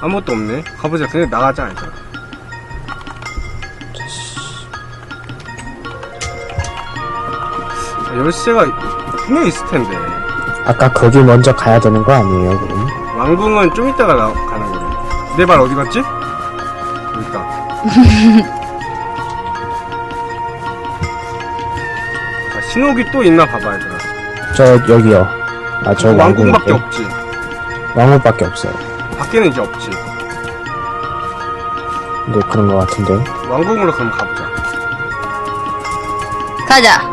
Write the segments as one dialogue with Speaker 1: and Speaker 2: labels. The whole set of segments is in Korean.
Speaker 1: 아무것도 없네. 가보자. 그냥 나가자, 일단. 열쇠가 분명히 있을 텐데.
Speaker 2: 아까 거기 먼저 가야 되는 거 아니에요, 그럼?
Speaker 1: 왕궁은 좀 이따가 가는 거네. 내 발 어디 갔지? 여기 있다. 자, 신호기 또 있나 봐봐, 얘들아.
Speaker 2: 저, 여기요. 아, 저
Speaker 1: 왕궁밖에 없지.
Speaker 2: 왕궁밖에 없어요.
Speaker 1: 밖에는 이제 없지.
Speaker 2: 네, 그런 거 같은데.
Speaker 1: 왕궁으로 그럼 가보자.
Speaker 3: 가자.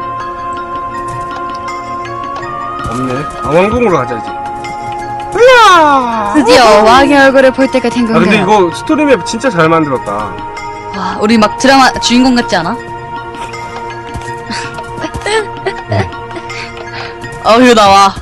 Speaker 1: 없네. 아, 왕궁으로 가자, 이제. 으야!
Speaker 3: 드디어 왕의 얼굴을 볼 때가 된
Speaker 1: 아,
Speaker 3: 건가요?
Speaker 1: 근데 이거 스토리맵 진짜 잘 만들었다.
Speaker 3: 와, 우리 막 드라마 주인공 같지 않아? 어휴, 나와.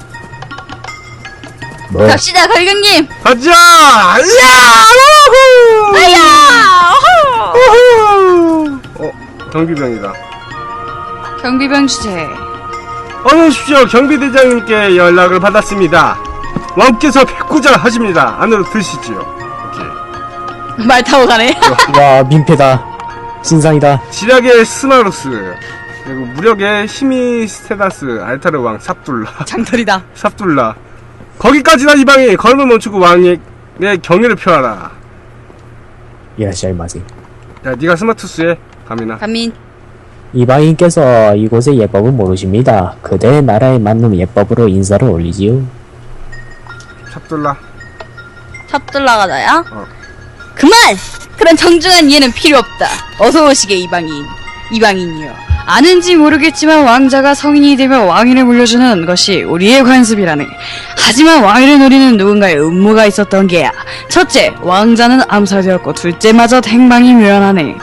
Speaker 2: 뭐?
Speaker 3: 갑시다, 걸경님!
Speaker 1: 가자! 이야! 우후!
Speaker 3: 아야!
Speaker 1: 우후! 경비병이다.
Speaker 3: 경비병 주제.
Speaker 1: 어느 십시오. 경비대장님께 연락을 받았습니다. 왕께서 백구절 하십니다. 안으로 드시지요. 오케이.
Speaker 3: 말 타고 가네.
Speaker 2: 와, 민폐다. 진상이다.
Speaker 1: 지략의 스마루스, 그리고 무력의 히미스테다스, 알타르 왕 삽둘라.
Speaker 3: 장돌이다.
Speaker 1: 삽둘라. 거기까지나 이방이. 걸음을 멈추고 왕의 경의를 표하라.
Speaker 2: 이라시아이마세.
Speaker 1: 야, 네가 스마투스해. 가미나.
Speaker 3: 감민.
Speaker 2: 이방인께서 이곳의 예법을 모르십니다. 그대의 나라에 맞는 예법으로 인사를 올리지요.
Speaker 1: 삽둘라.
Speaker 3: 삽둘라가 나야?
Speaker 1: 어.
Speaker 3: 그만! 그런 정중한 이해는 필요 없다. 어서 오시게, 이방인. 이방인이요. 아는지 모르겠지만 왕자가 성인이 되면 왕위를 물려주는 것이 우리의 관습이라네. 하지만 왕위를 노리는 누군가의 음모가 있었던 게야. 첫째, 왕자는 암살되었고 둘째마저 행방이 묘연하네.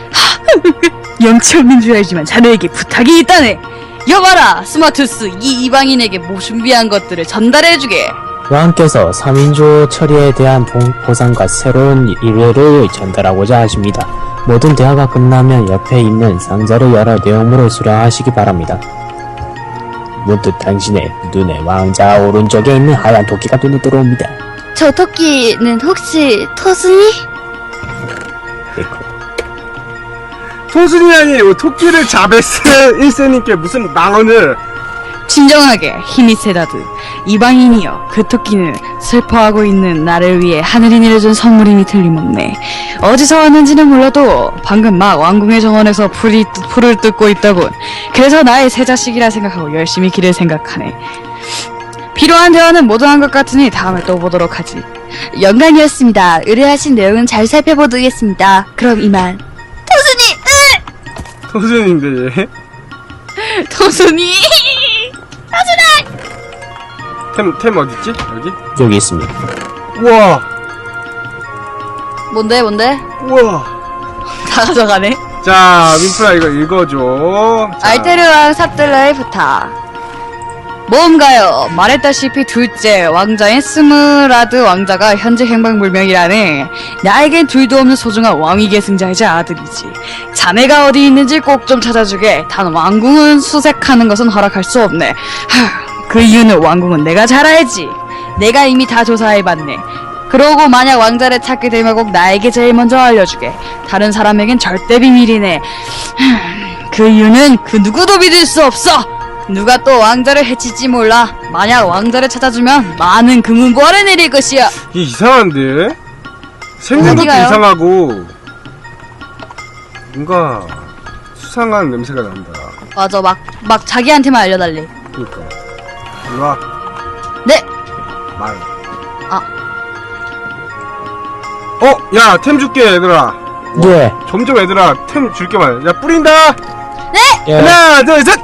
Speaker 3: 영치 없는 줄 알지만 자네에게 부탁이 있다네. 여봐라, 스마투스, 이 이방인에게 뭐 준비한 것들을 전달해주게.
Speaker 2: 왕께서 3인조 처리에 대한 보상과 새로운 일회를 전달하고자 하십니다. 모든 대화가 끝나면 옆에 있는 상자를 열어 내용물을 수령하시기 바랍니다. 문득 당신의 눈에 왕자 오른쪽에 있는 하얀 토끼가 눈에 들어옵니다.
Speaker 3: 저 토끼는 혹시 토순이?
Speaker 1: 토순이 아니에요. 토끼를 자베스 1세님께 무슨 망언을.
Speaker 3: 진정하게, 히미세다드. 이방인이여, 그 토끼는 슬퍼하고 있는 나를 위해 하늘이 내려준 선물임이 틀림없네. 어디서 왔는지는 몰라도 방금 막 왕궁의 정원에서 풀을 뜯고 있더군. 그래서 나의 새 자식이라 생각하고 열심히 기를 생각하네. 필요한 대화는 모두 한 것 같으니 다음에 또 보도록 하지. 영광이었습니다. 의뢰하신 내용은 잘 살펴보겠습니다. 그럼 이만.
Speaker 1: 토순인데, 얘.
Speaker 3: 토순이!
Speaker 1: 템 어딨지? 여기?
Speaker 2: 여기 있습니다.
Speaker 1: 우와!
Speaker 3: 뭔데?
Speaker 1: 우와!
Speaker 3: 다 가져가네.
Speaker 1: 자, 민프라 이거 읽어줘. 자,
Speaker 3: 알테르왕 삽들라의 부탁. 뭔가요? 말했다시피 둘째 왕자인 스무라드 왕자가 현재 행방불명이라네. 나에겐 둘도 없는 소중한 왕위 계승자이자 아들이지. 자네가 어디 있는지 꼭 좀 찾아주게. 단 왕궁은 수색하는 것은 허락할 수 없네. 그 이유는 왕궁은 내가 잘 알지. 내가 이미 다 조사해봤네. 그러고 만약 왕자를 찾게 되면 꼭 나에게 제일 먼저 알려주게. 다른 사람에겐 절대 비밀이네. 그 이유는 그 누구도 믿을 수 없어. 누가 또 왕자를 해칠지 몰라. 만약 왕자를 찾아주면 많은 금은보화를 내릴 것이야.
Speaker 1: 이게 이상한데? 생긴 것도
Speaker 3: 어디가요?
Speaker 1: 이상하고 뭔가 수상한 냄새가 난다.
Speaker 3: 맞아, 막 자기한테만 알려달래.
Speaker 1: 그니까 일로와.
Speaker 3: 네.
Speaker 1: 말.
Speaker 3: 아.
Speaker 1: 야, 템 줄게 얘들아.
Speaker 2: 예.
Speaker 1: 점점 얘들아 템 줄게 말. 야, 뿌린다.
Speaker 2: 예.
Speaker 1: 하나 둘 셋.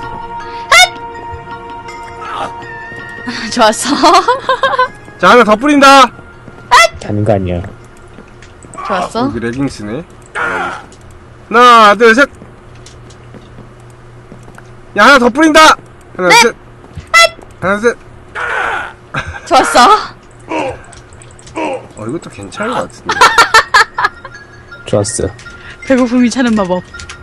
Speaker 3: 좋았어.
Speaker 1: 자, 하나 더 뿌린다.
Speaker 2: 하는 거 아니야.
Speaker 3: 좋았어.
Speaker 1: 여기 레깅스네. 하나 둘 셋. 야, 하나 더 뿌린다. 하나
Speaker 3: 네.
Speaker 1: 셋. 하나 셋.
Speaker 3: 좋았어.
Speaker 1: 이것도 괜찮은 것 같은데.
Speaker 2: 좋았어.
Speaker 3: 배고픔이 차는 마법.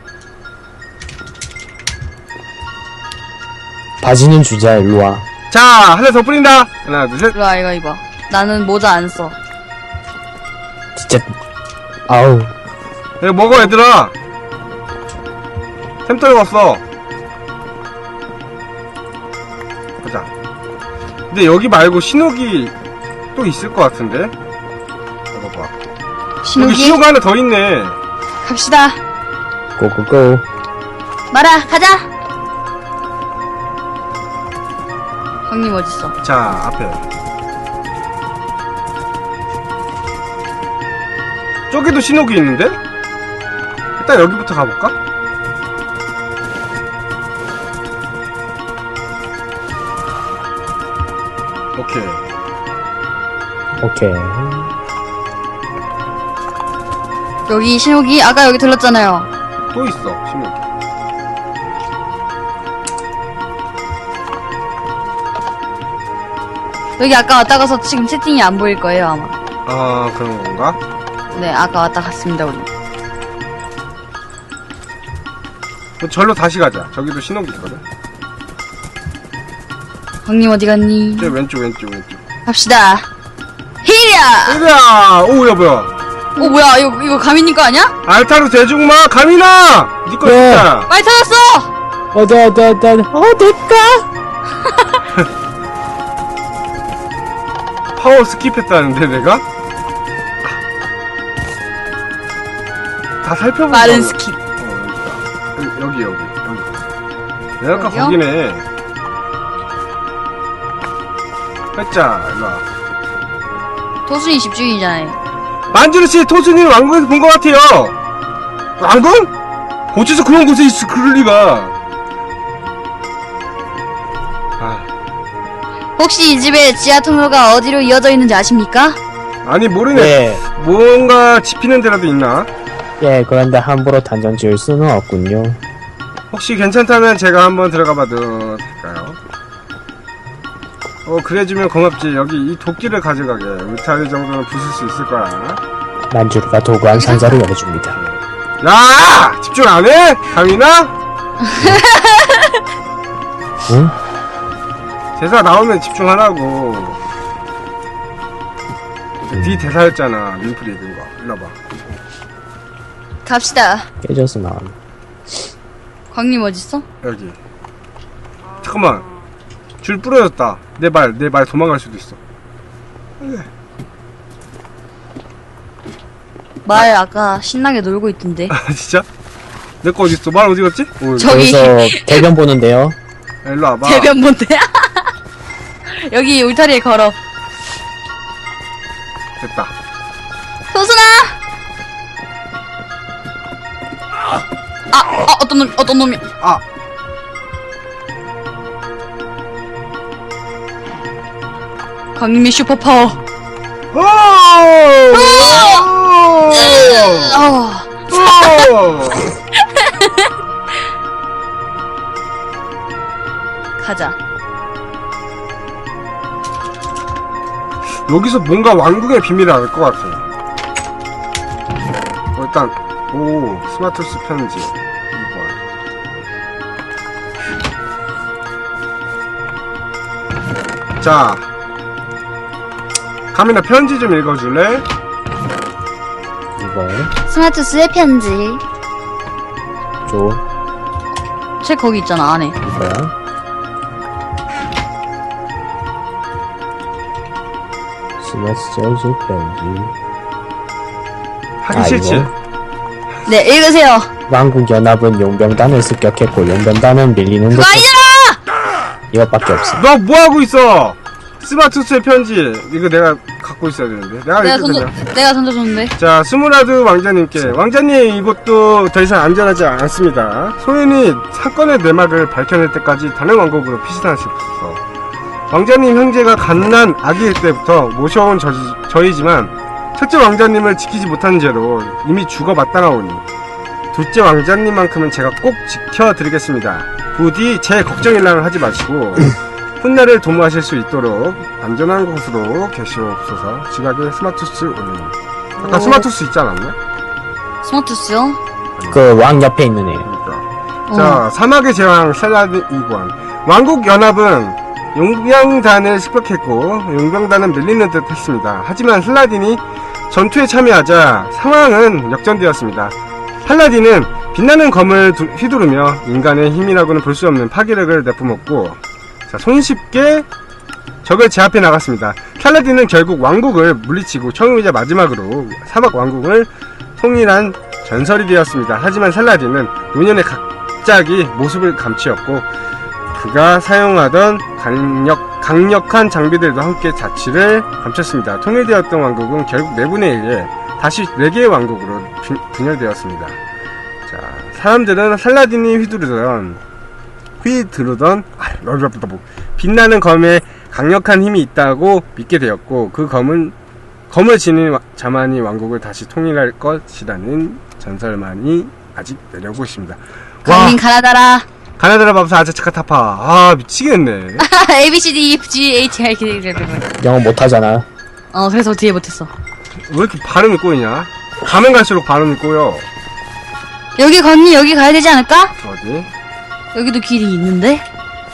Speaker 2: 바지는 주자, 일로와.
Speaker 1: 자, 하나 더 뿌린다. 하나 둘 셋.
Speaker 3: 일로와, 이거 입어. 나는 모자 안 써.
Speaker 2: 진짜 아우
Speaker 1: 이거 먹어 얘들아. 템 떨궜어. 보자. 근데 여기 말고 신호기 또 있을 것 같은데? 이거 봐. 여기
Speaker 3: 신호기
Speaker 1: 신호가 하나 더 있네.
Speaker 3: 갑시다.
Speaker 2: 고고고.
Speaker 3: 마라 가자. 형님 어딨어?
Speaker 1: 자, 앞에. 저기도 신호기 있는데? 일단 여기부터 가볼까? 오케이.
Speaker 2: 오케이.
Speaker 3: 여기 신호기 아까 여기 들렀잖아요.
Speaker 1: 또 있어, 신호기.
Speaker 3: 여기 아까 왔다 가서 지금 채팅이 안 보일 거예요 아마.
Speaker 1: 아, 그런 건가?
Speaker 3: 네 아까 왔다 갔습니다 우리.
Speaker 1: 그럼 절로 다시 가자. 저기도 신호기 있거든.
Speaker 3: 형님 어디 갔니?
Speaker 1: 저 왼쪽.
Speaker 3: 갑시다. 히야!
Speaker 1: 으랴! 오, 야, 뭐야.
Speaker 3: 뭐야 이거 가민님 거 아니야?
Speaker 1: 알타르 대중마, 가미나! 니거
Speaker 2: 네.
Speaker 1: 진짜.
Speaker 3: 많이 찾았어!
Speaker 2: 내가?
Speaker 1: 파워 스킵했다는데, 내가? 다 살펴보고.
Speaker 3: 빠른
Speaker 1: 가고.
Speaker 3: 스킵.
Speaker 1: 여기. 내가 아까
Speaker 3: 여기요?
Speaker 1: 거기네. 했자, 일로와.
Speaker 3: 토순이 집중이잖아요.
Speaker 1: 만주르씨, 토순이를 왕궁에서 본 것 같아요! 왕궁? 어째서 그런 곳에 있어, 그럴 리가.
Speaker 3: 혹시 이 집에 지하 통로가 어디로 이어져 있는지 아십니까?
Speaker 1: 아니, 모르네.
Speaker 2: 예.
Speaker 1: 뭔가 짚히는 데라도 있나?
Speaker 2: 예, 그런데 함부로 단정 지을 수는 없군요.
Speaker 1: 혹시 괜찮다면 제가 한번 들어가 봐도 될까요? 그래주면 고맙지. 여기 이 도끼를 가져가게. 울타리 정도는 부술 수 있을 거야.
Speaker 2: 만주르가 도구한 상자를 열어줍니다.
Speaker 1: 야! 집중 안 해? 강이나?
Speaker 2: 응?
Speaker 1: 대사 나오면 집중하라고. 네 대사였잖아. 민플이 읽은 거. 일로 와봐.
Speaker 3: 갑시다.
Speaker 2: 깨져서 나온.
Speaker 3: 광님 어딨어?
Speaker 1: 여기. 잠깐만. 줄 부러졌다. 내 말 도망갈 수도 있어.
Speaker 3: 말 아까 신나게 놀고 있던데.
Speaker 1: 아, 진짜? 내 거 어딨어? 말 어디 갔지?
Speaker 3: 저기
Speaker 2: 여기서 대변 보는데요.
Speaker 1: 일로 와봐.
Speaker 3: 대변 본데. 여기 울타리에 걸어.
Speaker 1: 됐다.
Speaker 3: 효순아! 어떤 놈이.
Speaker 1: 아!
Speaker 3: 광님의 슈퍼파워.
Speaker 1: 오! 오!
Speaker 3: 가자.
Speaker 1: 여기서 뭔가 왕궁의 비밀을 알 것 같아. 일단, 스마트스 편지. 이거. 자. 가민아, 편지 좀 읽어줄래?
Speaker 2: 이거
Speaker 3: 스마트스의 편지.
Speaker 2: 줘.
Speaker 3: 책 거기 있잖아, 안에.
Speaker 2: 이거야. 스마트스 편지.
Speaker 1: 하기 싫지?
Speaker 2: 이거?
Speaker 3: 네, 읽으세요.
Speaker 2: 왕국 연합은 용병단을 습격했고 용병단은 밀리는 듯.
Speaker 3: 그거 아니잖아!
Speaker 2: 이것밖에 없어.
Speaker 1: 너 뭐하고 있어? 스마트스의 편지. 이거 내가 갖고 있어야 되는데.
Speaker 3: 내가 던져줬는데.
Speaker 1: 자, 스무라드 왕자님께. 왕자님, 이곳도 더 이상 안전하지 않습니다. 소인이 사건의 내막을 밝혀낼 때까지 다른 왕국으로 피신하셨어. 왕자님 형제가 갓난 아기일 때부터 모셔온 저희지만 첫째 왕자님을 지키지 못한 죄로 이미 죽어 마땅하오니 둘째 왕자님만큼은 제가 꼭 지켜드리겠습니다. 부디 제 걱정일랑을 하지 마시고 훗날을 도모하실 수 있도록 안전한 곳으로 계시옵소서. 지각에 스마투스 올림. 아까 스마투스 있지 않았나?
Speaker 3: 스마트스요?
Speaker 2: 그 왕 옆에 있는 애.
Speaker 1: 그러니까. 자, 사막의 제왕 셀라드 이관. 왕국 연합은 용병단을 습격했고 용병단은 밀리는 듯 했습니다. 하지만 슬라딘이 전투에 참여하자 상황은 역전되었습니다. 팔라딘은 빛나는 검을 휘두르며 인간의 힘이라고는 볼 수 없는 파괴력을 내뿜었고, 자, 손쉽게 적을 제압해 나갔습니다. 팔라딘은 결국 왕국을 물리치고 처음이자 마지막으로 사막 왕국을 통일한 전설이 되었습니다. 하지만 살라딘은 노년에 갑자기 모습을 감추었고, 그가 사용하던 강력한 장비들도 함께 자취를 감췄습니다. 통일되었던 왕국은 결국 내분에 의해 다시 4개의 왕국으로 분열되었습니다. 자, 사람들은 살라딘이 휘두르던 빛나는 검에 강력한 힘이 있다고 믿게 되었고, 그 검을 지닌 자만이 왕국을 다시 통일할 것이라는 전설만이 아직 내려오고 있습니다.
Speaker 3: 강민 가나다라.
Speaker 1: 가나다라 밥사 아차차카타파. 아, 미치겠네.
Speaker 3: A B C D E F G H I K L
Speaker 2: 영어 못하잖아.
Speaker 3: 그래서 뒤에 못했어.
Speaker 1: 왜 이렇게 발음이 꼬이냐? 가면 갈수록 발음이 꼬여.
Speaker 3: 여기 걷니? 여기 가야 되지 않을까?
Speaker 1: 어디?
Speaker 3: 여기도 길이 있는데?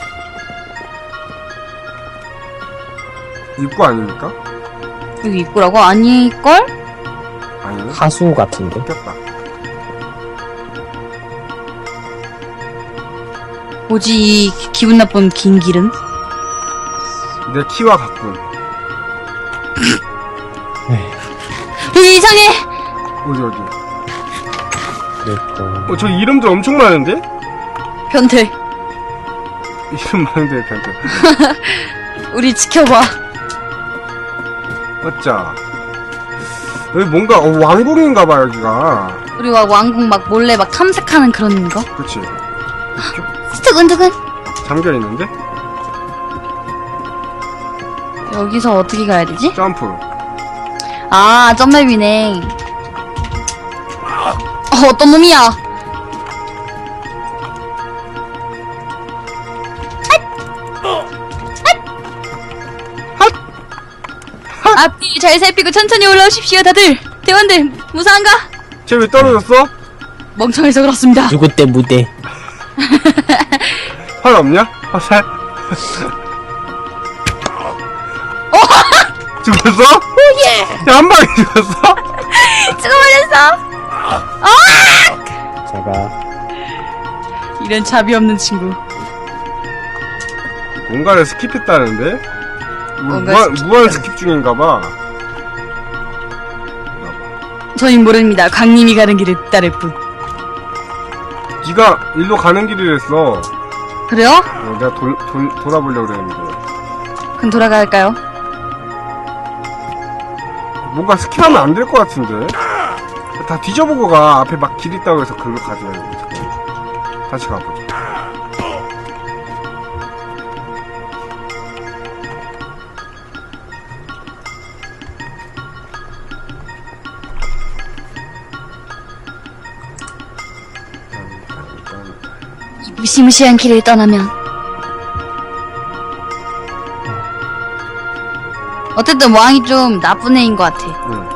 Speaker 1: 입구 아닙니까?
Speaker 3: 여기 입구라고? 아닐걸?
Speaker 1: 아니네.
Speaker 2: 하수 같은데.
Speaker 1: 꼈다.
Speaker 3: 뭐지 이 기분 나쁜 긴 길은?
Speaker 1: 내 키와 같군.
Speaker 3: 여기 이상해!
Speaker 1: 어디?
Speaker 2: 그리고
Speaker 1: 저 이름들 엄청 많은데?
Speaker 3: 변태.
Speaker 1: 이름 많은데, 변태.
Speaker 3: 우리 지켜봐.
Speaker 1: 어짜. 여기 뭔가, 왕궁인가봐, 여기가.
Speaker 3: 우리 막 왕국 막 몰래 막 탐색하는 그런 거?
Speaker 1: 그치.
Speaker 3: 두근두근.
Speaker 1: 잠겨있는데?
Speaker 3: 여기서 어떻게 가야 되지?
Speaker 1: 점프.
Speaker 3: 아, 점맵이네. 어떤 놈이야? 앞뒤 잘 살피고 천천히 올라오십시오, 다들. 대원들, 무사한가?
Speaker 1: 쟤 왜 떨어졌어?
Speaker 3: 멍청해서 그렇습니다.
Speaker 2: 누구 때 무대.
Speaker 1: 활 없냐? 화살? 죽었어?
Speaker 3: 오예!
Speaker 1: 야, 한 방에 죽었어?
Speaker 3: 죽어버렸어!
Speaker 2: 제가
Speaker 3: 이런 자비 없는 친구.
Speaker 1: 뭔가를 스킵했다는데?
Speaker 3: 뭔가
Speaker 1: 무한 스킵 중인가봐.
Speaker 3: 저희 모릅니다. 광님이 가는 길을 따를 뿐.
Speaker 1: 니가 일로 가는 길이랬어.
Speaker 3: 그래요?
Speaker 1: 내가 돌아보려고 그랬는데.
Speaker 3: 그럼 돌아갈까요?
Speaker 1: 뭔가 스킵하면 안 될 것 같은데? 다 뒤져보고 가. 앞에 막 길 있다고 해서 글로 가지 말고. 다시 가보자.
Speaker 3: 이 무시무시한 길을 떠나면 어쨌든 왕이 좀 나쁜 애인 것 같아.
Speaker 1: 응.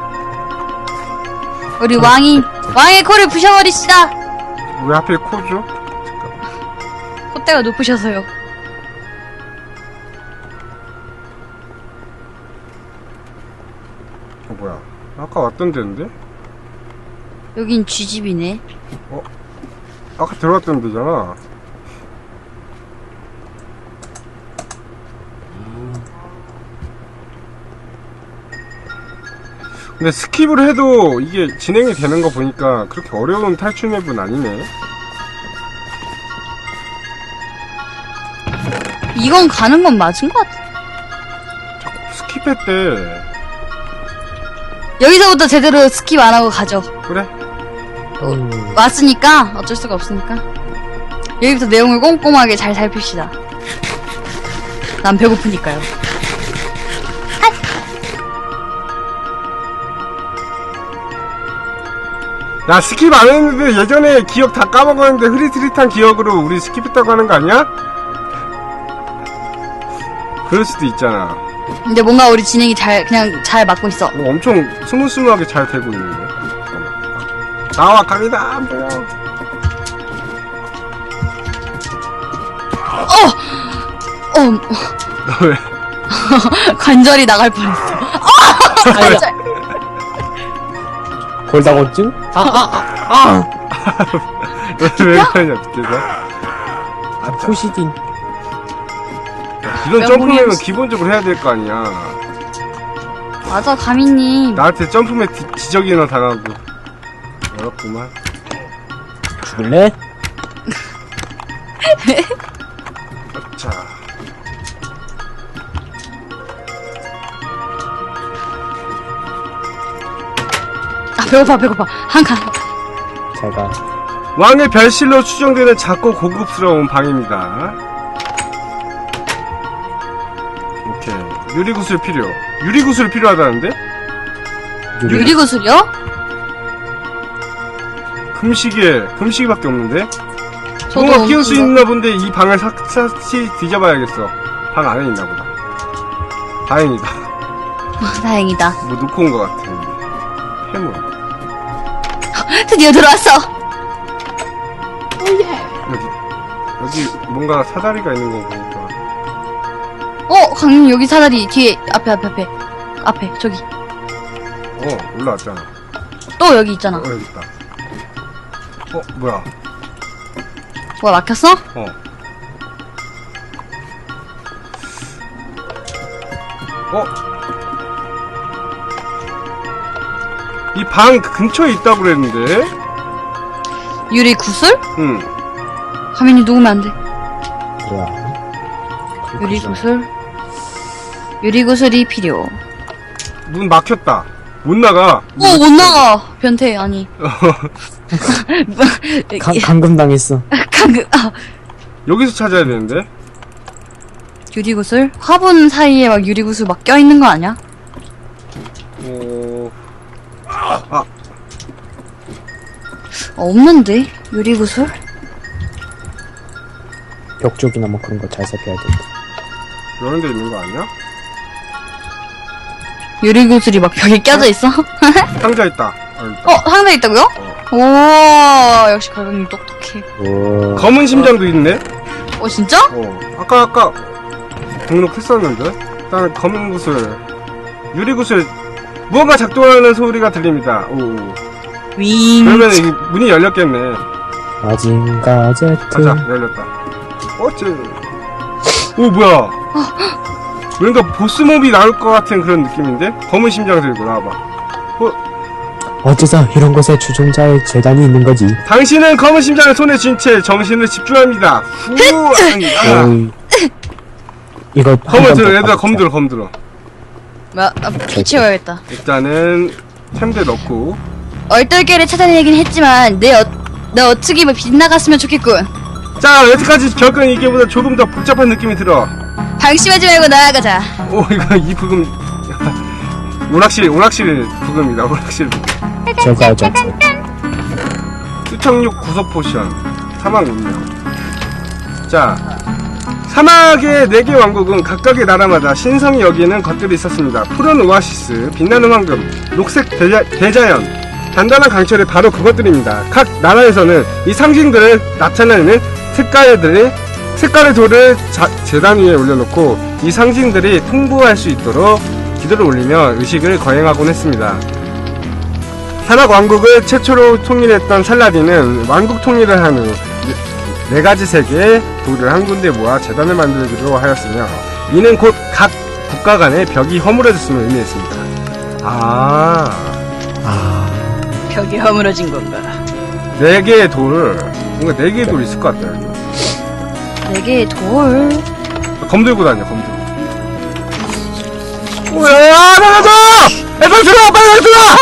Speaker 3: 우리 왕의 코를 부셔버리시다.
Speaker 1: 왜 하필 코죠?
Speaker 3: 콧대가 높으셔서요.
Speaker 1: 뭐야. 아까 왔던 데인데?
Speaker 3: 여긴 쥐집이네.
Speaker 1: 아까 들어갔던 데잖아. 근데 스킵을 해도 이게 진행이 되는 거 보니까 그렇게 어려운 탈출 맵은 아니네.
Speaker 3: 이건 가는 건 맞은 것 같아.
Speaker 1: 스킵했대.
Speaker 3: 여기서부터 제대로 스킵 안 하고 가죠.
Speaker 1: 그래?
Speaker 3: 왔으니까 어쩔 수가 없으니까 여기부터 내용을 꼼꼼하게 잘 살핍시다. 난 배고프니까요.
Speaker 1: 나 스킵 안 했는데 예전에 기억 다 까먹었는데 흐릿흐릿한 기억으로 우리 스킵했다고 하는 거 아니야? 그럴 수도 있잖아.
Speaker 3: 근데 뭔가 우리 진행이 그냥 잘 맞고 있어.
Speaker 1: 엄청 스무스무하게 잘 되고 있는데. 나와 갑니다. 안 보여. 너 왜?
Speaker 3: 관절이 나갈 뻔했어. 관절.
Speaker 2: 골다공증?
Speaker 1: 왜 그러냐 밑에서.
Speaker 2: 푸시딘.
Speaker 1: 이런
Speaker 3: 야,
Speaker 1: 점프맵은
Speaker 3: 모르겠어.
Speaker 1: 기본적으로 해야 될 거 아니야.
Speaker 3: 맞아, 가미님.
Speaker 1: 나한테 점프맵 지적이나 당하고. 어렵구만.
Speaker 2: 죽을래?
Speaker 1: 자.
Speaker 3: 아, 배고파. 한 칸.
Speaker 2: 제가
Speaker 1: 왕의 별실로 추정되는 작고 고급스러운 방입니다. 오케이. 유리구슬 필요. 유리구슬 필요하다는데?
Speaker 3: 유리구슬이요?
Speaker 1: 금시계밖에 없는데?
Speaker 3: 저도
Speaker 1: 뭔가 키울 수
Speaker 3: 없는데.
Speaker 1: 있나 본데 이 방을 샅샅이 뒤져봐야겠어. 방 안에 있나 보다. 다행이다.
Speaker 3: 다행이다.
Speaker 1: 뭐 놓고 온 것 같아. 해물.
Speaker 3: 드디어 들어왔어.
Speaker 1: 여기 뭔가 사다리가 있는 거 보니까.
Speaker 3: 강님 여기 사다리 뒤에 앞에 저기
Speaker 1: 올라왔잖아.
Speaker 3: 또 여기 있잖아.
Speaker 1: 여기 있다. 뭐야.
Speaker 3: 뭐야 막혔어?
Speaker 1: 이 방 근처에 있다고 그랬는데?
Speaker 3: 유리구슬?
Speaker 1: 응.
Speaker 3: 가민이 누우면 안 돼.
Speaker 2: 그래.
Speaker 3: 유리구슬이 필요.
Speaker 1: 문 막혔다. 못 나가.
Speaker 3: 못 나가. 변태 아니.
Speaker 2: 감금 당했어.
Speaker 3: 강금.
Speaker 1: 여기서 찾아야 되는데?
Speaker 3: 유리구슬? 화분 사이에 막 유리구슬 막 껴있는 거 아니야? 없는데? 유리구슬?
Speaker 2: 벽 쪽이나 뭐 그런 거 잘 살펴야 돼.
Speaker 1: 이런 데 있는 거 아니야?
Speaker 3: 유리구슬이 막 벽에 껴져 있어?
Speaker 1: 상자 있다. 여기 있다.
Speaker 3: 상자 있다고요? 오, 역시 가격님 똑똑해.
Speaker 2: 오.
Speaker 1: 검은 심장도 있네?
Speaker 3: 진짜?
Speaker 1: 아까 등록했었는데? 일단 검은 구슬, 유리구슬, 무언가 작동하는 소리가 들립니다.
Speaker 3: 윙.
Speaker 1: 그러면 이 문이 열렸겠네.
Speaker 2: 마징가 제트.
Speaker 1: 가자, 열렸다. 뭐야. 뭔가 보스몹이 나올 것 같은 그런 느낌인데? 검은 심장 들고 나와봐.
Speaker 2: 어째서 이런 곳에 추종자의 재단이 있는 거지?
Speaker 1: 당신은 검은 심장을 손에 쥔 채 정신을 집중합니다.
Speaker 2: 어이. 이거
Speaker 1: 검을 들어, 얘들아, 검 들어.
Speaker 3: 피 채워야겠다.
Speaker 1: 일단은 템대 넣고.
Speaker 3: 얼떨결에 찾아내긴 했지만 내 어떻게 빗나갔으면 좋겠군.
Speaker 1: 자, 여태까지 겪은 이게보다 조금 더 복잡한 느낌이 들어.
Speaker 3: 방심하지 말고 나아가자.
Speaker 1: 이 부금. 오락실 부금이다, 오락실 부금.
Speaker 2: 저거 잭슨.
Speaker 1: 수청육 구석 포션. 사막 운명. 자, 사막의 4개 왕국은 각각의 나라마다 신성이 여기는 것들이 있었습니다. 푸른 오아시스, 빛나는 황금, 녹색 대자연, 단단한 강철이 바로 그것들입니다. 각 나라에서는 이 상징들을 나타내는 색깔의 돌을 재단 위에 올려놓고 이 상징들이 통보할 수 있도록 기도를 올리며 의식을 거행하곤 했습니다. 사막 왕국을 최초로 통일했던 살라딘은 왕국 통일을 한 후 4가지 색의 돌을 한 군데 모아 재단을 만들기로 하였으며 이는 곧 각 국가 간의 벽이 허물어졌음을 의미했습니다.
Speaker 3: 벽이 허물어진 건가?
Speaker 1: 4개의 돌, 뭔가 4개의 돌 있을 것 같다. 여기.
Speaker 3: 4개의 돌.
Speaker 1: 검 들고 다녀, 검 들고. 야, 나가자! 빨리 들어와, 빨리 들어와!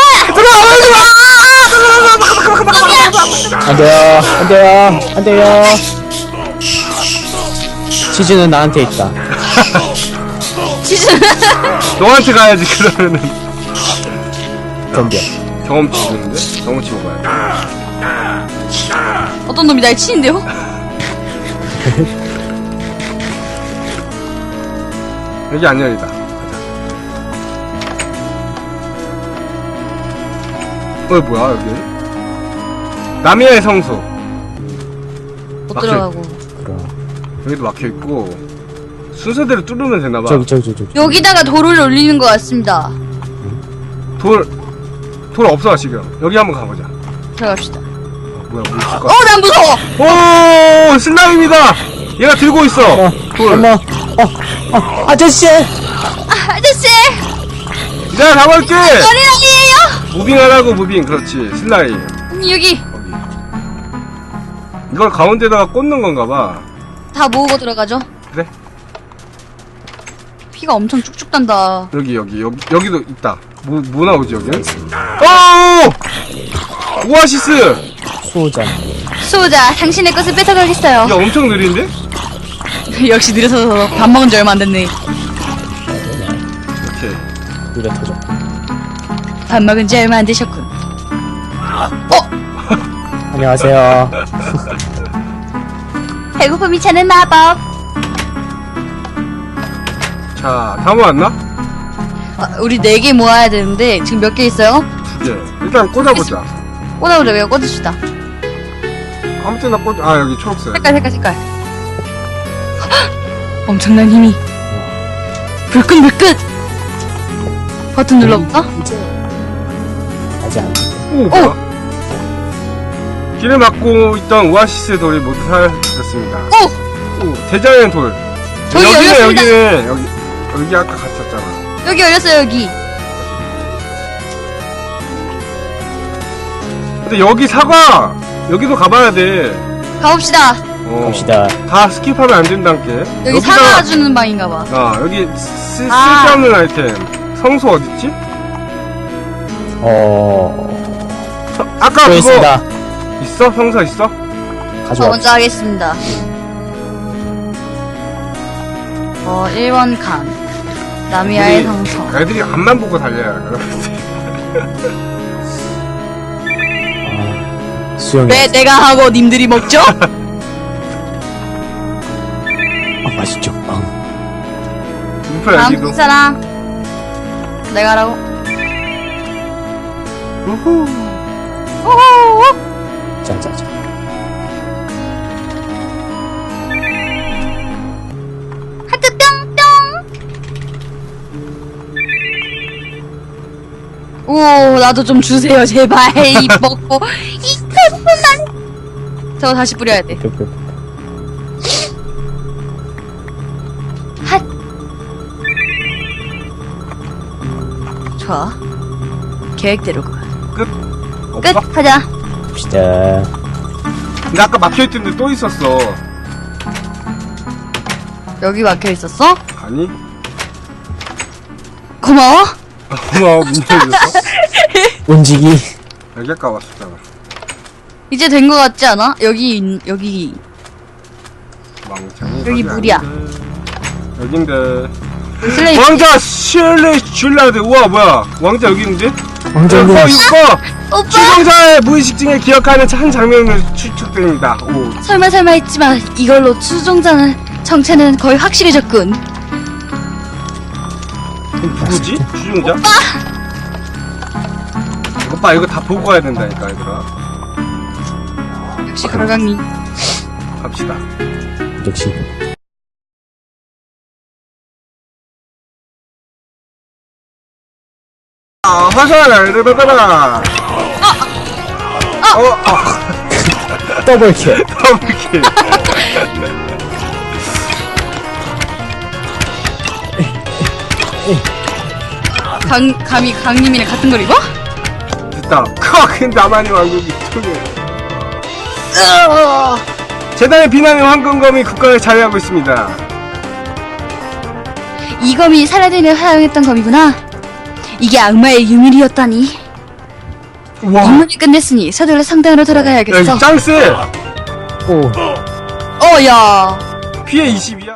Speaker 2: 안 돼요. 치즈는 나한테 있다.
Speaker 1: 너한테 가야지, 그러면은.
Speaker 2: 덤벼.
Speaker 1: 경험치 주는데? 경험치 먹어야 돼.
Speaker 3: 어떤 놈이 날 치는데요?
Speaker 1: 여기 안 열리다. 뭐야, 여기? 나미아의 성소.
Speaker 3: 못
Speaker 1: 막혀.
Speaker 3: 들어가고.
Speaker 2: 그럼.
Speaker 1: 여기도 막혀있고. 순서대로 뚫으면 되나봐.
Speaker 2: 저기.
Speaker 3: 여기다가 돌을 올리는 것 같습니다.
Speaker 1: 돌. 돌 없어 지금. 여기 한번 가보자.
Speaker 3: 들어갑시다.
Speaker 1: 뭐야 뭐 있을까?
Speaker 3: 난 무서워!
Speaker 1: 오 슬라임이다. 얘가 들고 있어. 돌.
Speaker 2: 엄마, 아저씨!
Speaker 3: 아저씨!
Speaker 1: 내가 잡을게.
Speaker 3: 어린아이예요!
Speaker 1: 무빙하라고 무빙. 그렇지 슬라임.
Speaker 3: 여기
Speaker 1: 여기. 이걸 가운데다가 꽂는 건가봐.
Speaker 3: 다 모으고 들어가죠.
Speaker 1: 그래?
Speaker 3: 피가 엄청 쭉쭉 단다.
Speaker 1: 여기도 있다. 뭐 나오지 여기는? 오! 오아시스!
Speaker 2: 수호자.
Speaker 3: 수호자, 당신의 것을 뺏어가겠어요.
Speaker 1: 야 엄청 느린데?
Speaker 3: 역시 느려서 밥 먹은 지 얼마 안 됐네.
Speaker 1: 오케이.
Speaker 2: 느려 터져.
Speaker 3: 밥 먹은 지 얼마 안 되셨군.
Speaker 2: 안녕하세요.
Speaker 3: 배고픔이 차는 마법.
Speaker 1: 자, 다 모았나?
Speaker 3: 우리 4개 모아야 되는데 지금 몇 개 있어요?
Speaker 1: 2개. 일단 꽂아보자.
Speaker 3: 꽂아보자. 왜요? 꽂읍시다.
Speaker 1: 아무 때나 꽂아. 아, 여기 초록색.
Speaker 3: 색깔. 엄청난 힘이. 불끈. 버튼 눌러볼까?
Speaker 2: 아직 안 돼.
Speaker 1: 오, 뭐야? 길을 막고 있던 오아시스 돌이 모두 사라졌습니다. 오, 대자연 돌.
Speaker 3: 저기 열렸습니다.
Speaker 1: 여기 아까 갔었잖아.
Speaker 3: 여기 열렸어요, 여기.
Speaker 1: 근데 여기 사과! 여기도 가봐야 돼.
Speaker 3: 가봅시다.
Speaker 2: 갑시다.
Speaker 1: 다 스킵하면 안 된다니까.
Speaker 3: 여기 사과 주는 방인가봐.
Speaker 1: 여기 쓸데없는 아이템. 성소 어딨지? 아까
Speaker 2: 또
Speaker 1: 그거
Speaker 2: 있습니다.
Speaker 1: 있어? 성소 있어?
Speaker 3: 저
Speaker 2: 가져와.
Speaker 3: 먼저 하겠습니다. 1번 칸. 나미아의 성서.
Speaker 1: 애들이 앞만 보고 달려야 돼.
Speaker 2: 수영이.
Speaker 3: 왜 내가 하고 님들이 먹죠?
Speaker 2: 맛있죠.
Speaker 1: 인파
Speaker 3: 다음
Speaker 1: 여기도.
Speaker 3: 사람. 내가 하라고.
Speaker 1: 우후.
Speaker 3: 호호호.
Speaker 2: 짜자자.
Speaker 3: 하트 뿅뿅. 오, 나도 좀 주세요, 제발. 이 먹고. 이 큰만. 저거 다시 뿌려야 돼. 핫. 좋아. 계획대로 가.
Speaker 1: 끝.
Speaker 3: 끝.
Speaker 1: 없어?
Speaker 3: 하자.
Speaker 2: 갑시다.
Speaker 1: 근데 아까 막혀있던데 또 있었어.
Speaker 3: 여기 막혀 있었어?
Speaker 1: 아니?
Speaker 3: 고마워.
Speaker 1: 고마워, 문 열렸어?
Speaker 2: 움직이.
Speaker 1: 여기 아까 왔었잖아.
Speaker 3: 이제 된 거 같지 않아? 여기
Speaker 1: 왕창이.
Speaker 3: 여기 물이야.
Speaker 1: 여긴데.
Speaker 3: 슬레이.
Speaker 1: 왕자 슐리 줄라드. 우와, 뭐야. 왕자 여기 있는데?
Speaker 2: 왕자님.
Speaker 1: 이거!
Speaker 3: 오빠.
Speaker 1: 추종자의 무의식 중에 기억하는 한 장면을 추측됩니다. 오.
Speaker 3: 설마 했지만 이걸로 추종자는 정체는 거의 확실해졌군.
Speaker 1: 그럼 누구지? 추종자? 오빠 이거 다 보고 가야 된다니까 얘들아.
Speaker 3: 역시 걸강님.
Speaker 1: 갑시다.
Speaker 2: 역시.
Speaker 1: 화살을 받아라.
Speaker 2: 더블킬.
Speaker 1: 더블킬.
Speaker 3: 감히 강님이랑 같은 걸 입어?
Speaker 1: 됐다. 컥! 나만이 왕국이 통해. 재단의 비난의 황금검이 국가를 자유하고 있습니다.
Speaker 3: 이 검이 사라딘을 사용했던 검이구나. 이게 악마의 유물이었다니.
Speaker 1: 우와.
Speaker 3: 임무를 끝냈으니 서둘러 성당으로 돌아가야겠어.
Speaker 1: 야, 짱 쎄!
Speaker 2: 오.
Speaker 3: 야.
Speaker 1: 피해 22야.